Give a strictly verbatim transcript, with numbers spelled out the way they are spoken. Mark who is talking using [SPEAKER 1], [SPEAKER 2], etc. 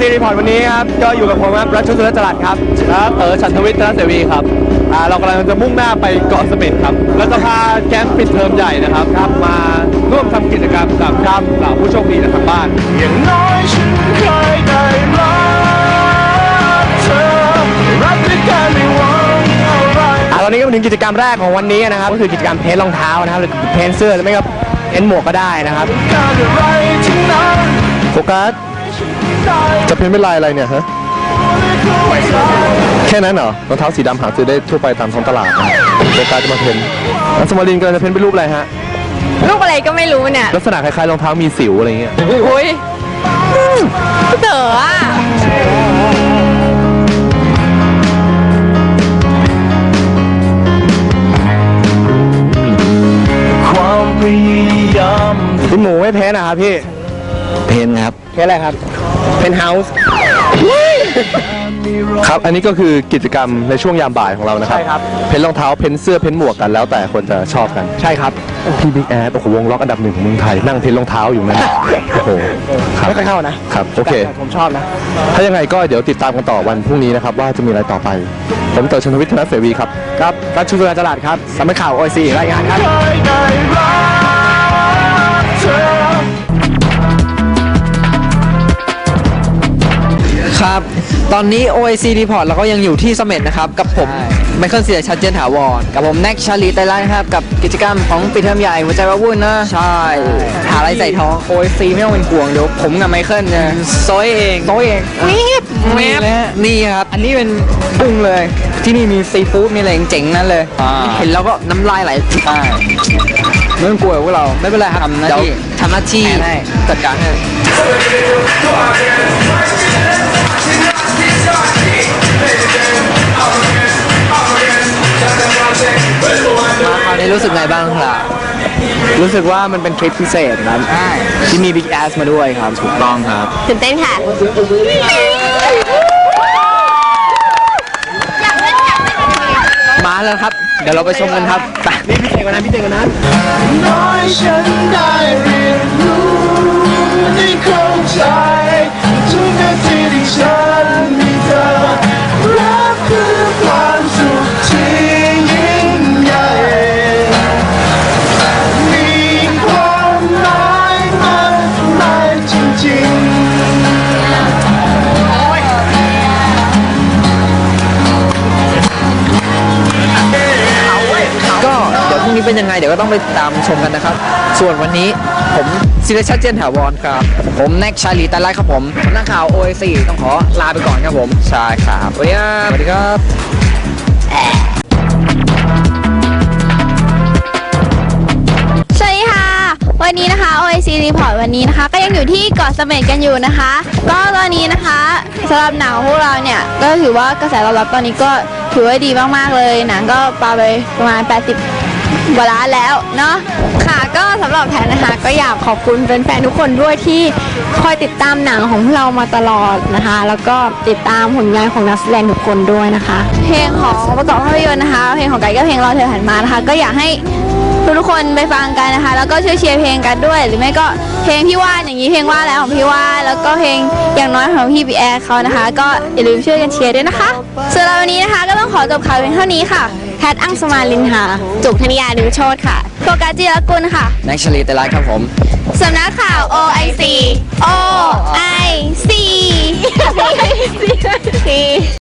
[SPEAKER 1] ซีรีพอร์ตวันนี้ครับก็อยู่กับผมครับรัชชุสุรจรัสครับครับเออฉันทวิทย์ธนเสวีครับอ่าเรากำลังจะมุ่งหน้าไปเกาะเสม็ดครับแล้วจะพาแก๊งปิดเทอมใหญ่นะครับครับมาร่วมทำกิจกรรมกับครับเหล่าผู้โชคดีจากทางบ้านอย่างน้อยฉันเคยได้รักเธอรักด้วยกันไม่หวังอะไรอ่าตอนนี้ก็มาถึงกิจกรรมแรกของวันนี้นะครับก็คือกิจกรรมเพ้นท์รองเท้านะครับหรือเพ้นท์เสื้อหรือไม่ก็เพ้นท์หมวกก็ได้นะครับโฟกัสจะเพ้นเป็นลายอะไรเนี่ยฮะแค่นั้นเหรอรองเท้าสีดำหาซื้อได้ทั่วไปตามท้องตลาดนะโฟกัสจะมาเพ้นแล้วสมารินกำลังจะเพ้นเป็นรูปอะไรฮะ
[SPEAKER 2] รูปอะไรก็ไม่รู้เนี่ย
[SPEAKER 1] ลักษณะคล้ายๆรองเท้ามีสิวอะไรเงี้ย
[SPEAKER 2] อุ้ยเต๋ออ่ะ
[SPEAKER 1] คุณหมูไม่เพ้นนะครับพี่
[SPEAKER 3] เพนครับ
[SPEAKER 1] เพ้นอะไรครับเพ้นเฮาส์ครับอันนี้ก็คือกิจกรรมในช่วงยามบ่ายของเรานะครับใช่ครับเพ้นรองเท้าเพ้นเสื้อเพ้นหมวกกันแล้วแต่คนจะชอบกันใช่ครับพี่บิ๊กแอดโอ้โหวงล็อกอันดับหนึ่งของเมืองไทยนั่งเพ้นรองเท้าอยู่นั่นโอ้โหไม่ค่อยเข้านะครับโอเคผมชอบนะถ้ายังไงก็เดี๋ยวติดตามกันต่อวันพรุ่งนี้นะครับว่าจะมีอะไรต่อไปผมเต๋อชนทวิทย์ธนเสวีครับครับรัชชุสุรจรัสครับสำนักข่าว โอ ไอ ซี รายงานครับ
[SPEAKER 3] ครับตอนนี้ โอ ไอ ซี Report เราก็ยังอยู่ที่เสม็ดนะครับกับผมไมเคิลเสียชัดเจนถาวรกับผมแน็กชาลีไตรไลน์ครับกับกิจกรรมของปิดเทอมใหญ่หัวใจว้าวุ่นนะใช่หาอะไรใส่ท้อง โอ ไอ ซี ไม่ต้องเป็นห่วงเดี๋ยวผมกับไมเคิลจะโซยเองโซยเองแมบแมบนี่ครับอันนี้เป็นกุ้งเลยที่นี่มีซีฟู้ดมีอะไรเจ๋งๆนั่นเลยเห็นแล้วก็น้ำลายไหลไม่ต้องกลัวพวกเราไม่เป็นไรครับทำหน้าที่ทำหน้าที่จัดการให้มาคราวนี้รู้สึกไงบ้างครับ
[SPEAKER 1] รู้สึกว่ามันเป็นทริปพิเศษครับที่มีบิ๊กแอสมาด้วยครับถูกต้องครับ
[SPEAKER 2] ตื่นเต้นค่ะ
[SPEAKER 3] มาแล้วครับเดี๋ยวเราไปชมกันครับ
[SPEAKER 1] นี่พี่เตงกันนะพี่เตงกันนะ
[SPEAKER 4] น้อยฉันได้เรียนรู้ได้เข้าใจทุกนาทีที่ฉันมีเธอรักคือความสุขที่ยิ่งใหญ่มีความหมายมากมายจริงๆ
[SPEAKER 3] ก็เดี๋ยวพรุ่งนี้เป็นยังไงเดี๋ยวก็ต้องไปตามชมกันนะครับส่วนวันนี้ผมศิริชัดเจนถาวรครับผมแน็กชาลีไตรไลท์ครับผมนักข่าว โอ ไอ ซี ต้องขอลาไปก่อนครับผมใช่ครับสวัสดีครับสวัสดีครับ
[SPEAKER 2] สวัสดีค่ะวันนี้นะคะ โอ ไอ ซี Report วันนี้นะคะก็ยังอยู่ที่เกาะเสม็ดกันอยู่นะคะก็ตอนนี้นะคะสำหรับหนังของพวกเราเนี่ยก็ถือว่ากระแสตอบรับตอนนี้ก็ถือว่าดีมากๆเลยหนังก็ปาไปประมาณแปดสิบกว่าล้านแล้วเนาะค่ะก็สำหรับแพนนะคะก็อยากขอบคุณแฟนๆทุกคนด้วยที่คอยติดตามหนังของพวกเรามาตลอดนะคะแล้วก็ติดตามผลงานของนักแสดงทุกคนด้วยนะคะเพลงของประกอบภาพยนตร์นะคะเพลงของไก่ก็เพลงรอเธอหันมานะคะก็อยากให้ทุกคนไปฟังกันนะคะแล้วก็ช่วยเชียร์เพลงกันด้วยหรือไม่ก็เพลงพี่ว่านอย่างนี้เพลงว่าแล้วของพี่ว่านแล้วก็เพลงอย่างน้อยของพี่บีแอร์เขานะคะก็อย่าลืมช่วยกันเชียร์ด้วยนะคะส่วนเราวันนี้นะคะก็ต้องขอจบข่าวเพียงเท่านี้ค่ะแพทอังสมาลินค่ะจุกธนิยาดึงโชตค่ะโฟกัสจิรกุลค่ะ
[SPEAKER 3] แน็กชาลีไตรไลท์ครับผม
[SPEAKER 2] สำนักข่าว โอ ไอ ซี โอ